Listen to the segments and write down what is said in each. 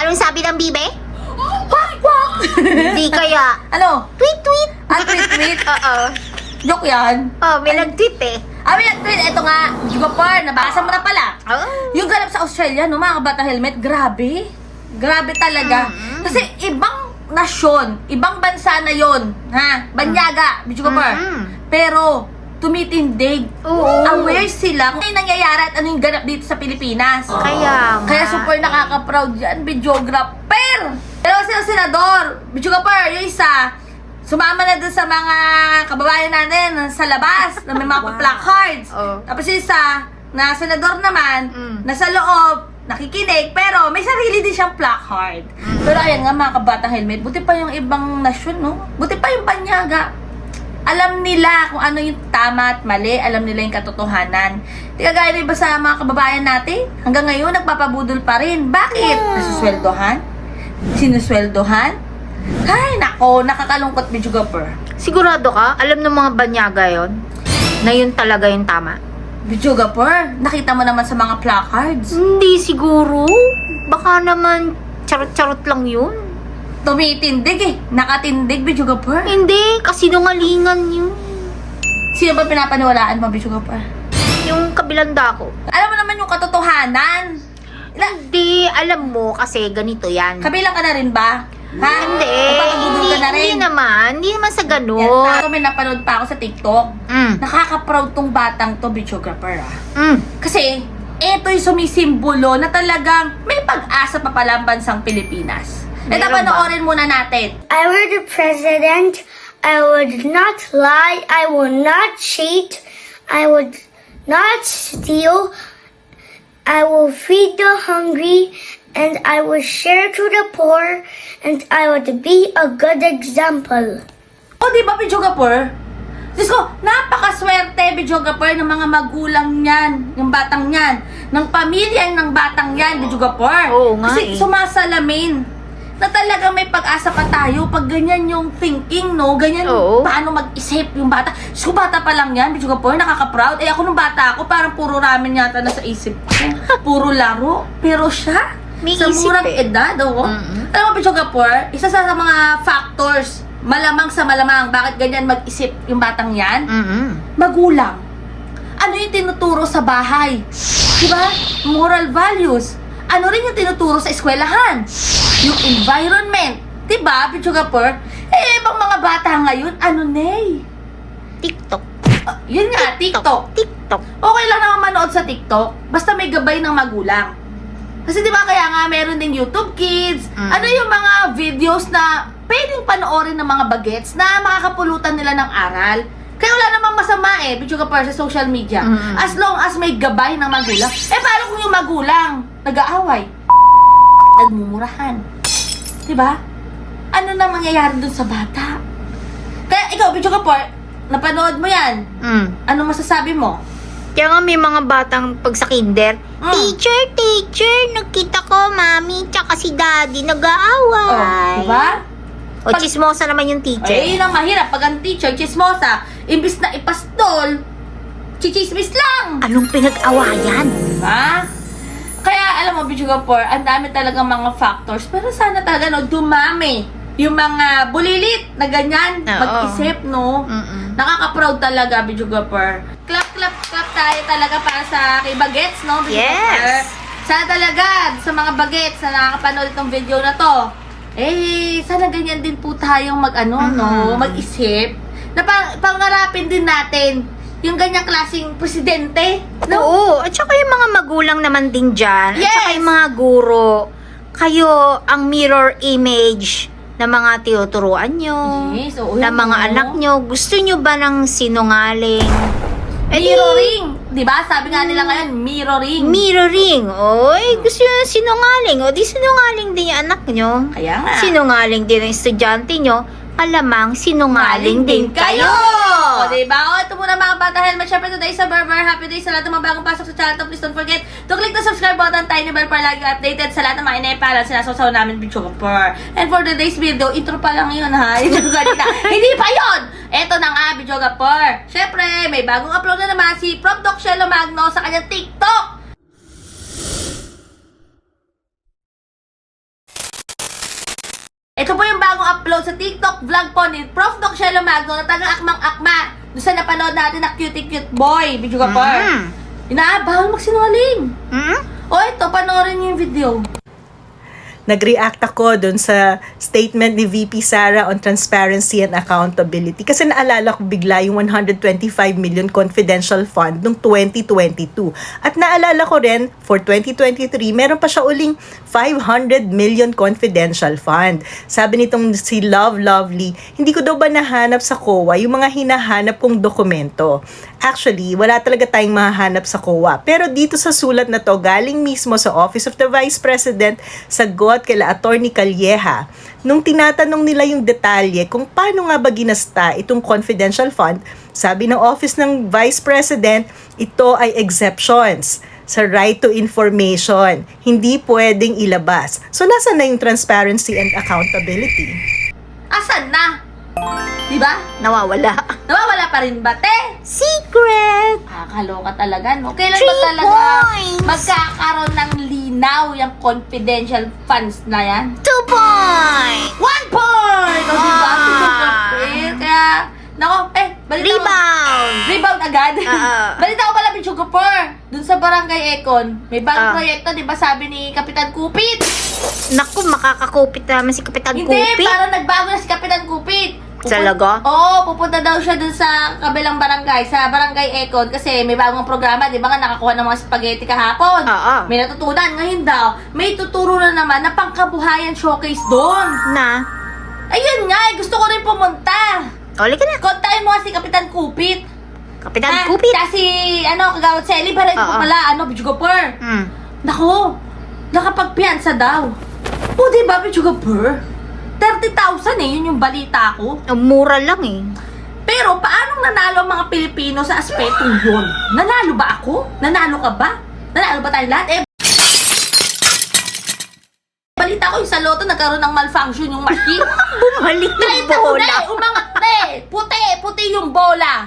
Anong sabi ng bibe? Quack, quack! Hindi kaya. Ano? Tweet, tweet. Tweet. Oo. Joke yan. Oh, may nag-tweet eh. May nag-tweet. Ito nga, Jugapar, nabasa mo na pala. Oh. Yung ganap sa Australia, no, mga kabata helmet, grabe. Grabe talaga. Kasi ibang nasyon, ibang bansa na yon, ha? Banyaga, Jugapar. Pero, tumitindig. Oo. Aware sila kung ano yung nangyayari at ano yung ganap dito sa Pilipinas. Kaya nga. Kaya super nakaka-proud yan, videographer! Pero sila senador, videographer, yung isa, sumama na dun sa mga kababayan natin sa labas na may mga placards. Oh. Tapos yung isa, na senador naman, nasa loob, nakikinig, pero may sarili din siyang placard. Pero ayan nga mga kabata helmet, buti pa yung ibang nasyon, no? Buti pa yung banyaga. Alam nila kung ano yung tama at mali. Alam nila yung katotohanan. Di kagaya na iba sa mga kababayan natin. Hanggang ngayon, nagpapabudol pa rin. Bakit? Nasusweldohan? Sinusweldohan? Ay, nako, nakakalungkot, Videographer. Sigurado ka? Alam ng mga banyaga yon na yun talaga yung tama? Videographer, nakita mo naman sa mga placards. Hindi siguro. Baka naman charot-charot lang yun. Tumitindig eh. Nakatindig, Videographer. Hindi, kasinungalingan yun. Sino ba pinapaniwalaan mo, Videographer? Yung kabilang dako. Alam mo naman yung katotohanan. Hindi, alam mo kasi ganito yan. Kabilang ka na rin ba? Ha? Hindi. Magpapabudol ka na rin. Hindi naman sa Yan, ganun. ako may napanood pa ako sa TikTok. Nakaka-proud tong batang to, Videographer, Kasi, eto yung sumisimbolo na talagang may pag-asa pa pala ang bansang Pilipinas. Ito, Meron ba? panoorin muna natin. I were the president, I would not lie, I will not cheat, I would not steal, I will feed the hungry, and I will share to the poor, and I would be a good example. O, di ba, Videographer? Diyos ko, napakaswerte, Videographer, ng mga magulang niyan, yung batang yan, ng pamilya ng batang yan, Videographer. Oo nga Kasi eh. sumasalamin na talagang may pag-asa pa tayo pag ganyan yung thinking, no? Ganyan, Oo. paano mag-isip yung bata. So, bata pa lang yan, Videographer, nakaka-proud. Eh, ako nung bata ako, parang puro ramen yata nasa isip ko. Puro laro. Pero siya, May sa isip murang eh. edad, oo. Alam mo, Videographer, isa sa mga factors, malamang sa malamang, bakit ganyan mag-isip yung batang yan? Magulang. Ano yung tinuturo sa bahay? Diba? Moral values. Ano rin yung tinuturo sa eskwelahan? Yung environment. Diba, Videographer? Eh, ibang mga bata ngayon, ano nay? TikTok. Yun nga, TikTok. TikTok. Okay lang naman manood sa TikTok, basta may gabay ng magulang. Kasi diba kaya nga meron din YouTube Kids, ano yung mga videos na pwedeng panoorin ng mga bagets na makakapulutan nila ng aral. Kaya wala namang masama eh, Videographer, sa social media. As long as may gabay ng magulang. Eh, paano kung yung magulang nag-aaway? Nagmumurahan. Diba? Ano na mangyayari dun sa bata? Kaya ikaw, Videographer, napanood mo yan. Ano masasabi mo? Kaya nga may mga batang pag sa kinder, Teacher, nakita ko mami tsaka si daddy nag-aaway. Diba? O chismosa naman yung teacher. Ay, yun ang mahirap. Pag ang teacher, chismosa, imbis na ipastol, chichismis lang. Anong pinag-awayan? Diba? Kaya, alam mo, Videographer, ang dami talagang mga factors. Pero sana talaga, no, dumami yung mga bulilit na ganyan, Oo. mag-isip, no? Nakaka-proud talaga, Videographer. Clap tayo talaga para sa kay Bagets, no, Videographer? Yes. Sana talaga, sa mga Bagets na nakakapanood itong video na to, eh, sana ganyan din po tayong no, mag-isip, na pangarapin din natin yung ganyang klaseng presidente, no? Oo, at saka yung mga magulang naman din dyan. At Yes. saka yung mga guro. Kayo ang mirror image ng mga tinuturuan nyo. Yes, oo, ng yan, mga oo. anak nyo. Gusto nyo ba ng sinungaling? Mirroring. Diba? Sabi nga nila ngayon, mirroring. Mirroring. Oy, gusto nyo ng sinungaling. O di sinungaling din yung anak nyo. Kaya nga. Sinungaling din ang estudyante nyo. Alamang sinungaling din kayo. O, diba? O, ito muna mga bata helmet. Syempre today sa Berber. Happy day sa lahat ng mga bagong pasok sa channel to. Please don't forget to click the subscribe button, tiny bell para lagi updated sa lahat ng mga inaipalan sinasaw namin Videographer. And for today's video, intro pa lang yun ha. Intro kanina. Hindi pa yun! Eto na nga, Videographer. Syempre, may bagong upload na naman si Prof. Doc Shelo Magno sa kanyang TikTok. bagong upload sa TikTok vlog po ni Prof. Doc Shelo Magno na tagang akmang-akma doon sa napanood natin na cute boy, video ka pa. Bawal magsinungaling. O ito, panoorin niyo yung video. Nag-react ako dun sa statement ni VP Sara on transparency and accountability. Kasi naalala ko bigla yung 125 million confidential fund noong 2022. At naalala ko rin, for 2023, meron pa siya uling 500 million confidential fund. Sabi nitong si Love Lovely, hindi ko daw ba nahanap sa COA yung mga hinahanap kong dokumento. Actually, wala talaga tayong mahahanap sa COA. Pero dito sa sulat na to, galing mismo sa Office of the Vice President, sagot kila Attorney Calleja. Nung tinatanong nila yung detalye kung paano nga ba ginasta itong confidential fund, sabi ng Office ng Vice President, ito ay exceptions sa right to information. Hindi pwedeng ilabas. So, nasa na yung transparency and accountability? Asan na? Diba? Nawawala. Nawawala pa rin ba, te? Secret! Kaloka talaga, no? Kailan 3 ba talaga points! magkakaroon ng linaw yung confidential funds na yan? 2 points! 1 point! O, diba? Kaya, nako, balita ko. Rebound agad? Balita ko pala, Pichugapur. Dun sa Barangay Econ, may bagong proyekto, diba sabi ni Kapitan Kupit? Naku, makakakupit naman si Kapitan Hindi, Kupit. parang nagbago na si Kapitan Kupit. Talaga? Oo, pupunta daw siya dun sa kabilang barangay, sa Barangay Econ, kasi may bagong programa, di ba nga nakakuha ng mga spaghetti kahapon? Oo. May natutunan. Ngayon daw, may tuturo na naman na pangkabuhayan showcase doon. Na? Ayun nga, gusto ko rin pumunta. Uli ka na. Kontakin mo nga si Kapitan Kupit. Kapitan Kupit. Kasi, Kagawad Selly, para ito Oo. pala, Bidjugapur. Naku, nakapagpiyansa daw. O, di ba, Bidjugapur? 30,000 yun yung balita ko. Mura lang eh. Pero paanong nanalo ang mga Pilipino sa aspetong yun? Nanalo ba ako? Nanalo ka ba? Nanalo ba tayo lahat? Balita ko yung sa loto nagkaroon ng malfunction yung machine. Bumalik yung Nakita ko bola. na umangat na puti yung bola.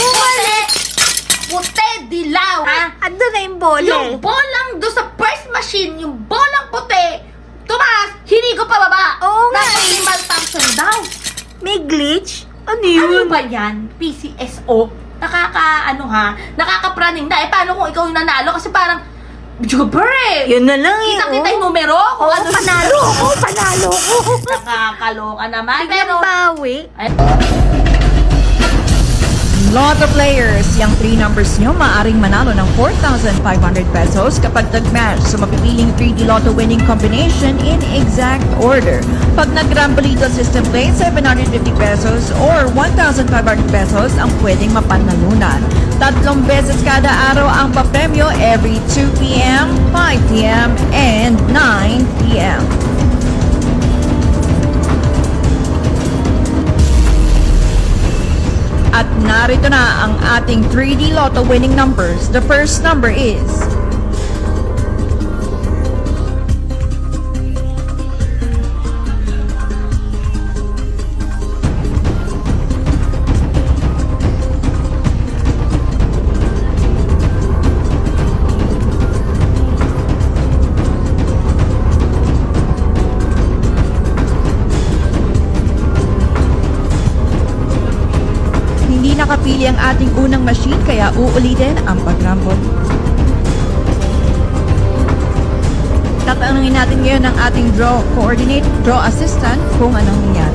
Puti, dilaw. Ando na yung bola Yung bolang do sa first machine, yung bolang puti, tumaas, hinigo pa baba. Oo nga. May malfunction daw. May glitch? Ano Ano yun? ba yan? PCSO? Nakakapraning na. Paano kung ikaw yung nanalo? Kasi parang, Jubber Yun na lang eh. Kita-kita yung numero. Kung Oo, ano panalo ako. Panalo ko. Nakakaloka naman. Biglang bawi. Lotto players, yung 3 numbers nyo maaaring manalo ng 4,500 pesos kapag tag-match sa mapipiling 3D Lotto winning combination in exact order. Pag nag-Rambolito system play, 750 pesos or 1,500 pesos ang pwedeng mapanalunan. 3 beses kada araw ang papremyo every 2 p.m., 5 p.m., and 9 p.m. At narito na ang ating 3D Lotto winning numbers. The first number is hindi nakapili ang ating unang machine kaya uulitin ang pag-rumble. Tatanungin natin ngayon ang ating draw coordinate, draw assistant kung anong nangyari.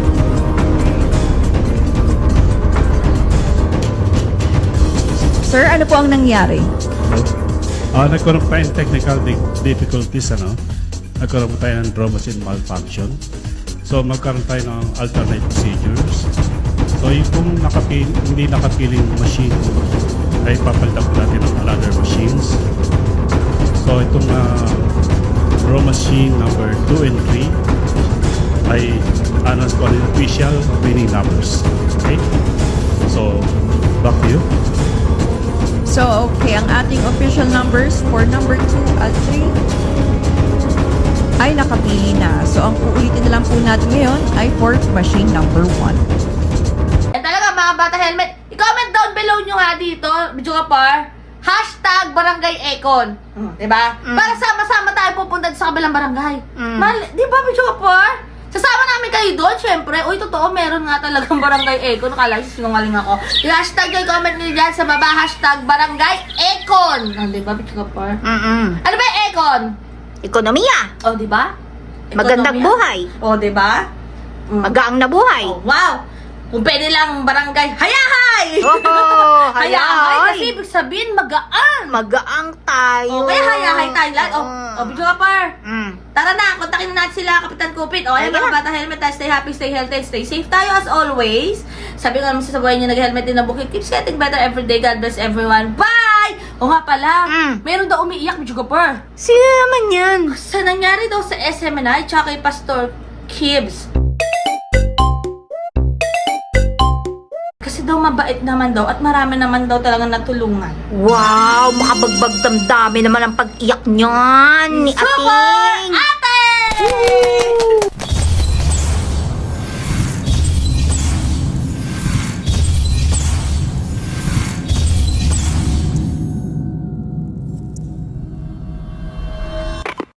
Sir, ano po ang nangyari? Nagkaroon pa yung technical difficulties, Nagkaroon pa tayo ng draw machine malfunction. So, magkaroon tayo ng alternate procedures. So, yung kung hindi nakapiling machine, ay papalitan po natin ng another machines. So, itong draw machine number 2 and 3 ay announce ko ang official winning numbers. Okay? So, back to you. So, okay, ang ating official numbers for number 2 at 3 ay nakapili na. So, ang uulitin na lang po natin ngayon ay for machine number 1. Talaga mga bata helmet, i-comment down below nyo nga dito, video ka par, #Barangay Econ. Diba? Para sama-sama tayo pupunta sa kabilang barangay. Diba, video ka par? Kasama namin kayo doon, syempre. Uy, totoo, meron nga talagang Barangay Econ. Nakala ko sinungaling ako. Yung hashtag yung comment nyo dyan sa baba, hashtag Barangay Econ. Diba, bitch ka par? Ano ba yung Econ? Ekonomiya. Diba? Magandang buhay. Diba? Magaang na buhay. Wow! Kung pwede lang barangay, hayahay! Oh, Hayahay! hayahay. Kasi ibig sabihin, magaan. Magaang tayo. Kaya hayahay Thailand. Bidyo ka par. Tara na, kontakin na natin sila, Kapitan Kupit. Ayan Ayan. mga bata, helmet tayo. Stay happy, stay healthy, stay safe tayo as always. Sabi ko naman sa buhay niyo, nag-helmet din na bukid. Keeps getting better every day. God bless everyone. Bye! O nga pala, meron daw umiiyak, Bidyo ka par. Sino naman yan? Sa nangyari daw sa SMNI, tsaka kay Pastor Kibbs. Kasi daw mabait naman daw at marami naman daw talaga natulungan. Wow, makabagbag damdami naman ang pag-iyak niyan ni Super Ating.